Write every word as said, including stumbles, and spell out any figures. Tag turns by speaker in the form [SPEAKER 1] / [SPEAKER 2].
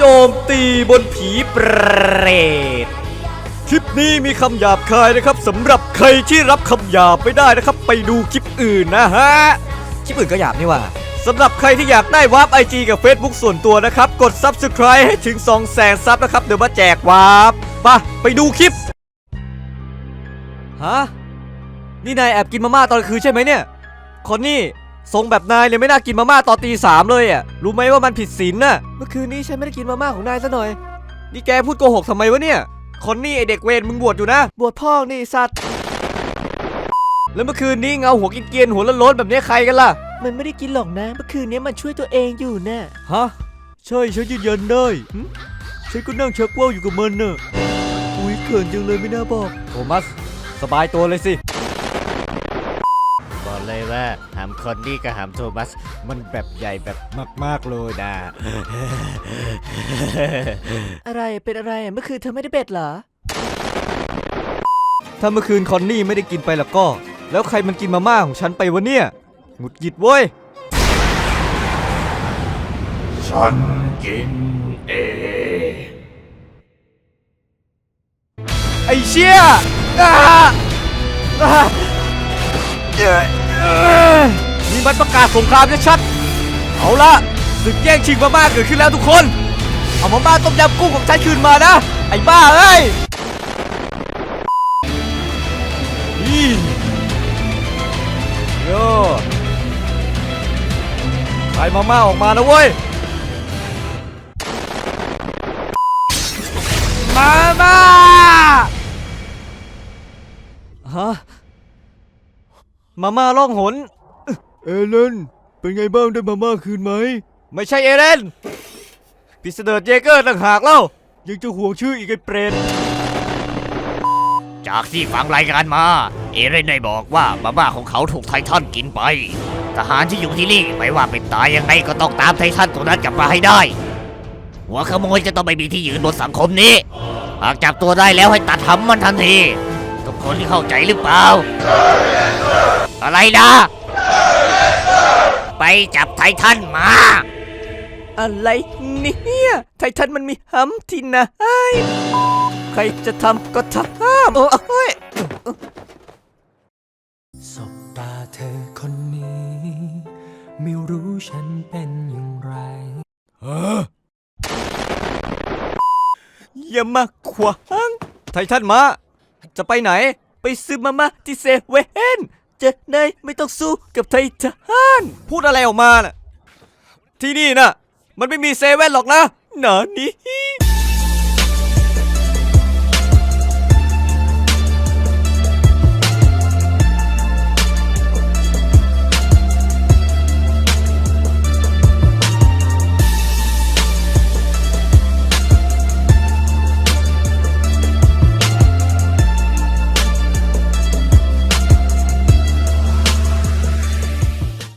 [SPEAKER 1] จมตีบนผีเปรตคลิปนี้มีคำหยาบคายนะครับสำหรับใครที่รับคำหยาบไม่ได้นะครับไปดูคลิปอื่นนะฮะคลิปอื่นก็หยาบนี่ว่าสำหรับใครที่อยากได้วาร์ป ไอ จี กับ Facebook ส่วนตัวนะครับกด ซับสไครบ์ ให้ถึง สองแสน ซับนะครับเดี๋ยวมาแจกวาร์ปไปไปดูคลิปฮะนี่นายแอบกินมาม่าตอนคืนใช่ไหมเนี่ยคนนี่ทรงแบบนายเนี่ยไม่น่ากินมาม่าตอนตีสามเลยอ่ะรู้ไหมว่ามันผิดศีลน่ะเมื่อคืนนี้ฉันไม่ได้กินมาม่าของนายซะหน่อยนี่แกพูดโกหกทำไมวะเนี่ยคนนี่ไอเด็กเวรมึงบวชอยู่นะบวชพ่อนี่สัตว์แล้วเมื่อคืนนี้เงาหัวกินเกียนหัวล้นๆแบบนี้ใครกันล่ะ
[SPEAKER 2] มันไม่ได้กินหรอกนะเมื่อคืนนี้มันช่วยตัวเองอยู่นะ
[SPEAKER 1] ฮะใช่ฉันยืนยันได้ฉันก็นั่งชักว่าวอยู่กับมันน่ะอุ้ยเขินจังเลยไม่น่าบอกโทมัสสบายตัวเลยสิ
[SPEAKER 3] บอกเลยว่าหามคอนนี่กับหามโทมัสมันแบบใหญ่แบบมากๆเลยนะ
[SPEAKER 2] อะไรเป็นอะไรเมื่อคืนเธอไม่ได้เบ็ดเหรอ
[SPEAKER 1] ถ้าเมื่อคืนคอนนี่ไม่ได้กินไปแล้วก็แล้วใครมันกินมาม่าของฉันไปวะเนี่ยหงุดหงิดเว้ย
[SPEAKER 4] ฉันกินเอง
[SPEAKER 1] ไอ้เชี่ยนี่มันประกาศสงครามชัดๆเอาละศึกแย่งชิงมาม่าเกิดขึ้นแล้วทุกคนเอามาม่าต้มยำกุ้งของฉันคืนมานะไอ้บ้าเอ้ยนี่โย่ขายมาม่าออกมานะเว้ยมาม่าฮะมาม่าล่องหนเอเลนเป็นไงบ้างได้มาม่าคืนไหมไม่ใช่เอเลนพิสเดอร์เจเกอร์ต่างหากเล่ายังจะห่วงชื่ออีกไอ้เปรต
[SPEAKER 3] จากที่ฟังรายงานมาเอเรนได้บอกว่ามาม่าของเขาถูกไททันกินไปทหารที่อยู่ที่นี่ไม่ว่าเป็นตายยังไงก็ต้องตามไททันตัวนั้นกลับมาให้ได้หัวขโมยจะต้องไม่มีที่ยืนบนสังคมนี้หากจับตัวได้แล้วให้ตัดหำมันทันทีทุกคนที่เข้าใจหรือเปล่าอะไรนะไปจับไททันมา
[SPEAKER 2] อะไรเนี่ยไททันมันมีหำที่ไหนใครจะทำก็ทำโอ้ย
[SPEAKER 5] สบตาเธอคนนี้ไม่รู้ฉันเป็นอย่างไร
[SPEAKER 1] ฮะอย่ามาขวางไททันมาจะไปไหนไปซื้อมาม่าที่เซเว่นจะได้ไม่ต้องสู้กับไททันพูดอะไรออกมาน่ะที่นี่น่ะมันไม่มีเซเว่นหรอกนะหนานี้